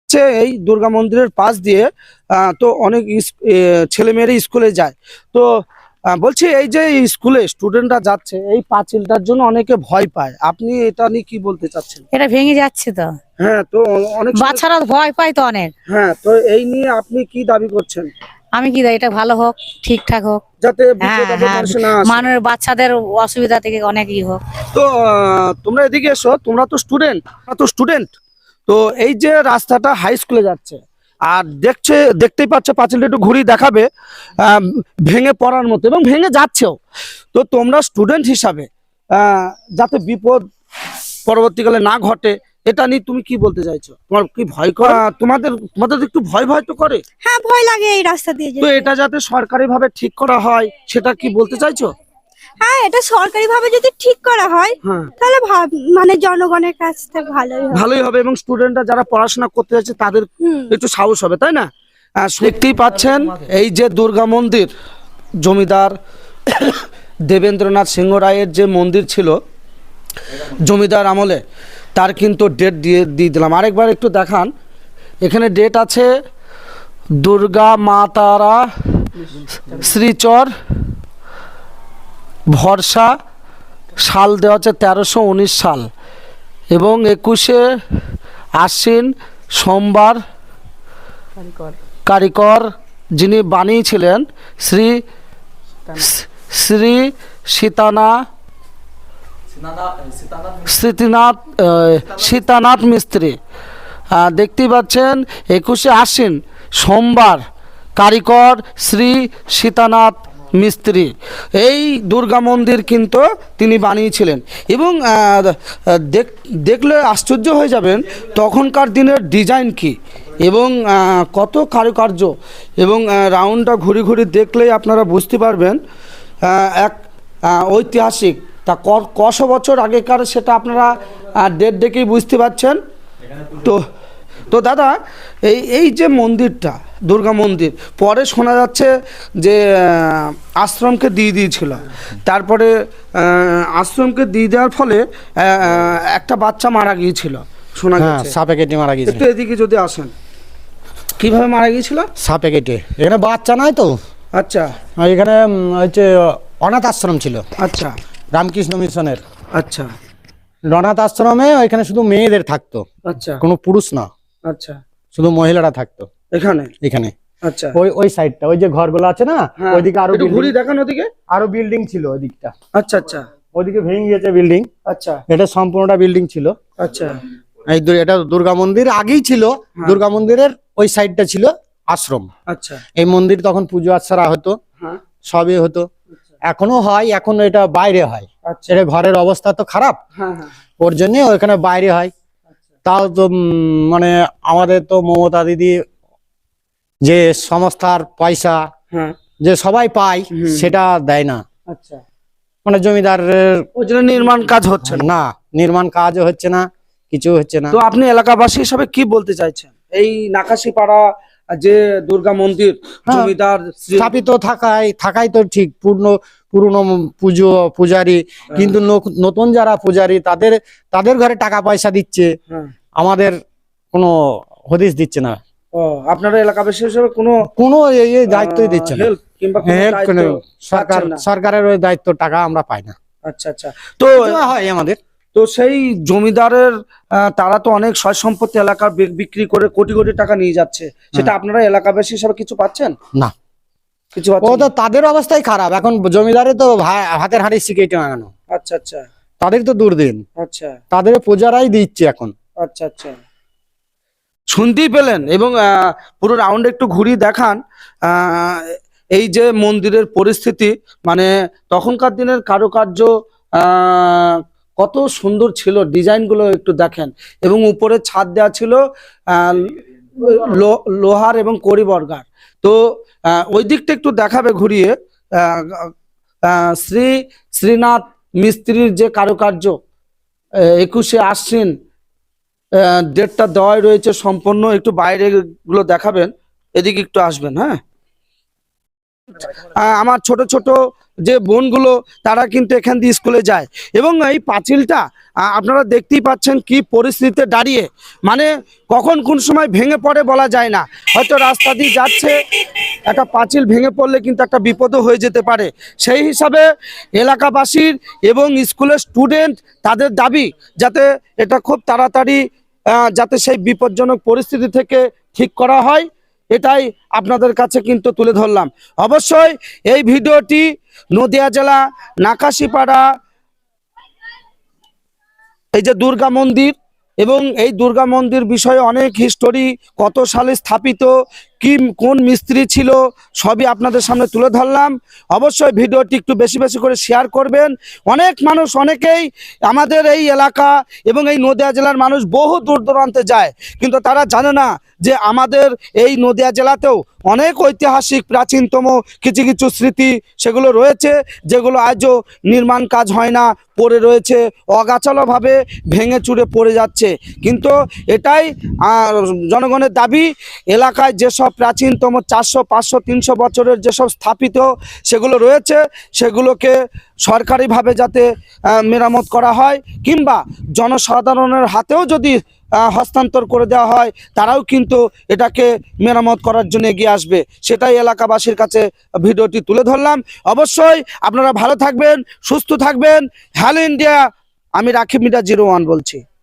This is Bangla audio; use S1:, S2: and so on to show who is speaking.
S1: এই দুর্গা মন্দিরের পাশ দিয়ে তো অনেক ছেলেমেয়েরা স্কুলে যায়। তো বলছি এই যে স্কুলে স্টুডেন্টরা যাচ্ছে এই পাঁচিলটার জন্য অনেকে ভয় পায়, আপনি এটা নিয়ে কি বলতে চাচ্ছেন?
S2: এটা ভেঙে যাচ্ছে তো।
S1: হ্যাঁ, তো অনেক
S2: বাচ্চারা ভয় পায় তো অনেক।
S1: হ্যাঁ, তো এই নিয়ে আপনি কি দাবি করছেন?
S2: আমি কি এটা ভালো হোক, ঠিকঠাক হোক,
S1: যাতে
S2: হ্যাঁ
S1: বিপদ আপদ
S2: হ্যাঁ,
S1: মানুষের না আসে।
S2: মানুষের বাচ্চাদের অসুবিধা থেকে অনেক হোক।
S1: তো তোমরা এদিকে এসো, তোমরা তো স্টুডেন্ট। তো এই যে রাস্তাটা হাই স্কুলে যাচ্ছে আর দেখতেই পাচ্ছ পাঁচিলটা একটু ঘুরিয়ে দেখাবে, ভেঙে পড়ার মতো এবং ভেঙে যাচ্ছেও। তো তোমরা স্টুডেন্ট হিসাবে যাতে বিপদ পরবর্তীকালে না ঘটে এটা নিয়ে তুমি কি বলতে চাইছো? তোমার কি ভয় করে? তোমাদের তোমাদের একটু ভয় তো করে।
S3: হ্যাঁ, ভয় লাগে এই রাস্তা দিয়ে
S1: তো
S3: যেতে।
S1: এটা যাতে সরকারি ভাবে ঠিক করা হয় সেটা কি বলতে চাইছো?
S3: হ্যাঁ, এটা সরকারি ভাবে যদি ঠিক করা হয়
S1: হ্যাঁ,
S3: তাহলে মানে জনগণের কাছ থেকে
S1: ভালোই হবে এবং স্টুডেন্টরা যারা পড়াশোনা করতে যাচ্ছে তাদের একটু সাহস হবে, তাই না? দেখতেই পাচ্ছেন এই যে দুর্গা মন্দির, জমিদার দেবেন্দ্রনাথ সিংহ রায়ের যে মন্দির ছিল জমিদার আমলে, তার কিন্তু ডেট দিয়ে দিলাম। আরেকবার একটু দেখান, এখানে ডেট আছে দুর্গা মা তারা শ্রীচর ভরসা, সাল দেওয়া হচ্ছে 1319 সাল এবং 21শে আশ্বিন সোমবার। কারিগর যিনি বানিয়েছিলেন শ্রী শ্রী সীতানাথ মিস্ত্রি। দেখতেই পাচ্ছেন 21শে আশ্বিন সোমবার, কারিগর শ্রী সীতানাথ মিস্ত্রি। এই দুর্গা মন্দির কিন্তু তিনি বানিয়েছিলেন এবং দেখলে আশ্চর্য হয়ে যাবেন তখনকার দিনের ডিজাইন কি এবং কত কারুকার্য, এবং রাউন্ডটা ঘুরি দেখলেই আপনারা বুঝতে পারবেন এক ঐতিহাসিক। তা কশো বছর আগেকার সেটা আপনারা ডেট দেখেই বুঝতে পারছেন। তো দাদা এই যে মন্দিরটা দুর্গা মন্দির পরে শোনা যাচ্ছে যে আশ্রমকে দিয়ে দিয়েছিল, তারপরে আশ্রমকে দিয়ে দেওয়ার ফলে একটা বাচ্চা মারা গিয়েছিল শোনা যাচ্ছে,
S4: সাপে কেটে মারা গিয়েছিল।
S1: একটু এদিকে যদি আসেন, কিভাবে মারা গিয়েছিল?
S4: সাপে কেটে। এখানে বাচ্চা নাই তো।
S1: আচ্ছা,
S4: এখানে হচ্ছে অনাথ আশ্রম ছিল।
S1: আচ্ছা,
S4: রামকৃষ্ণ মিশনের।
S1: আচ্ছা,
S4: অনাথ আশ্রমে ওইখানে শুধু মেয়েদের থাকতো,
S1: আচ্ছা,
S4: কোনো পুরুষ না,
S1: আচ্ছা,
S4: শুধু মহিলারা থাকতো এখানে।
S1: আচ্ছা,
S4: ওই সাইডটা, ওই যে ঘরগুলো আছে না, ওইদিকে আরো
S1: ঘুরি দেখান, ওদিকে
S4: আরো বিল্ডিং ছিল ওই দিকটা।
S1: আচ্ছা, আচ্ছা,
S4: ওইদিকে ভেঙে গেছে বিল্ডিং।
S1: আচ্ছা,
S4: এটা সম্পূর্ণটা বিল্ডিং ছিল।
S1: আচ্ছা,
S4: এটা দুর্গা মন্দির আগেই ছিল। দুর্গা মন্দিরের ওই সাইডটা ছিল আশ্রম।
S1: আচ্ছা,
S4: এই মন্দির তখন পুজো আচ্ছারা হতো, সবই হতো, এখনো হয়। এখন এটা বাইরে হয়। এটা ঘরের অবস্থা তো খারাপ, ওর জন্য ওইখানে বাইরে হয়। তাও তো মানে আমাদের তো মমতা দিদি যে সংস্থার পয়সা যে সবাই পায় সেটা দেয় না।
S1: আচ্ছা,
S4: মানে জমিদারের
S1: ওই জন্য নির্মাণ কাজ হচ্ছে
S4: না, নির্মাণ কাজও হচ্ছে না, কিছু হচ্ছে না।
S1: তো আপনি এলাকাবাসী হিসাবে কি বলতে চাইছেন? এই নাকাশিপাড়া যে দুর্গা মন্দির জমিদার
S4: স্থাপিত থাকাই তো ঠিক, পুরনো পূজারি, কিন্তু নতুন যারা পূজারি তাদের ঘরে টাকা পয়সা দিচ্ছে, আমাদের কোনো হদিস দিচ্ছে না।
S1: আপনারা এলাকাবাসী হিসেবে কোনো
S4: এই দায়িত্বই দিচ্ছে না, সরকারের ওই দায়িত্ব টাকা আমরা পাই না।
S1: আচ্ছা, আচ্ছা, তো
S4: হয় আমাদের।
S1: তো সেই জমিদারের তারা তো অনেক সয় সম্পত্তি এলাকার বিক্রি করে কোটি কোটি টাকা নিয়ে যাচ্ছে, সেটা আপনারা এলাকাবাসী হিসাবে কিছু পাচ্ছেন
S4: না?
S1: কিছু
S4: ও তো তাদের অবস্থাই খারাপ। এখন জমিদারে তো হাতের হাঁড়ি শিখেটে আনানো।
S1: আচ্ছা, আচ্ছা,
S4: তাদের তো দুর্দিন।
S1: আচ্ছা,
S4: তাদের পূজারাই দিচ্ছে এখন।
S1: আচ্ছা, আচ্ছা, শুনতেই পেলেন এবং পুরো রাউন্ড একটু ঘুরিয়ে দেখান এই যে মন্দিরের পরিস্থিতি, মানে তখনকার দিনের কারুকার্য কত সুন্দর ছিল, ডিজাইনগুলো একটু দেখেন এবং উপরে ছাদ দেওয়া ছিল লোহার এবং কড়িবর্গার। তো ওই দিকটা একটু দেখাবে ঘুরিয়ে, শ্রীনাথ মিস্ত্রির যে কারুকার্য 21শে আশ্বিন ডেটটা দেওয়াই রয়েছে সম্পূর্ণ। একটু বাইরে গুলো দেখাবেন, এদিকে একটু আসবেন। হ্যাঁ। আমার ছোট ছোট যে বোনগুলো তারা কিন্তু এখান দিয়ে স্কুলে যায় এবং এই পাঁচিলটা আপনারা দেখতেই পাচ্ছেন কি পরিস্থিতিতে দাঁড়িয়ে, মানে কখন কোন সময় ভেঙে পড়ে বলা যায় না। হয়তো রাস্তা দিয়ে যাচ্ছে, একটা পাঁচিল ভেঙে পড়লে কিন্তু একটা বিপদও হয়ে যেতে পারে। সেই হিসাবে এলাকাবাসীর এবং স্কুলের স্টুডেন্ট তাদের দাবি যাতে এটা খুব তাড়াতাড়ি যাতে সেই বিপজ্জনক পরিস্থিতি থেকে ঠিক করা হয়, এটাই আপনাদের কাছে কিন্তু তুলে ধরলাম। অবশ্যই এই ভিডিওটি নদিয়া জেলা নাকাশিপাড়া এই যে দুর্গা মন্দির, এবং এই দুর্গা মন্দির বিষয়ে অনেক হিস্টোরি, কত সালে স্থাপিত, কি কোন মিস্ত্রি ছিল, সবই আপনাদের সামনে তুলে ধরলাম। অবশ্যই ভিডিওটি একটু বেশি বেশি করে শেয়ার করবেন। অনেক মানুষ, অনেকেই আমাদের এই এলাকা এবং এই নদিয়া জেলার মানুষ বহু দূর দূরান্তে যায়, কিন্তু তারা জানে না যে আমাদের এই নদিয়া জেলাতেও অনেক ঐতিহাসিক প্রাচীনতম কিছু কিছু স্মৃতি সেগুলো রয়েছে, যেগুলো আজও নির্মাণ কাজ হয় না, পড়ে রয়েছে, অগাছালোভাবে ভেঙে চুরে পড়ে যাচ্ছে। কিন্তু এটাই জনগণের দাবি, এলাকায় যেসব প্রাচীনতম 400, 500, 300 বছরের যেসব স্থাপিত সেগুলো রয়েছে সেগুলোকে সরকারিভাবে যাতে মেরামত করা হয়, কিংবা জনসাধারণের হাতেও যদি হস্তান্তর করে দেওয়া হয়, তারাও কিন্তু এটাকে মেরামত করার জন্য এগিয়ে আসবে। সেটাই এলাকাবাসীর কাছে ভিডিওটি তুলে ধরলাম। অবশ্যই আপনারা ভালো থাকবেন, সুস্থ থাকবেন। হ্যালো ইন্ডিয়া, আমি রাকিব মিডিয়া 01 বলছি।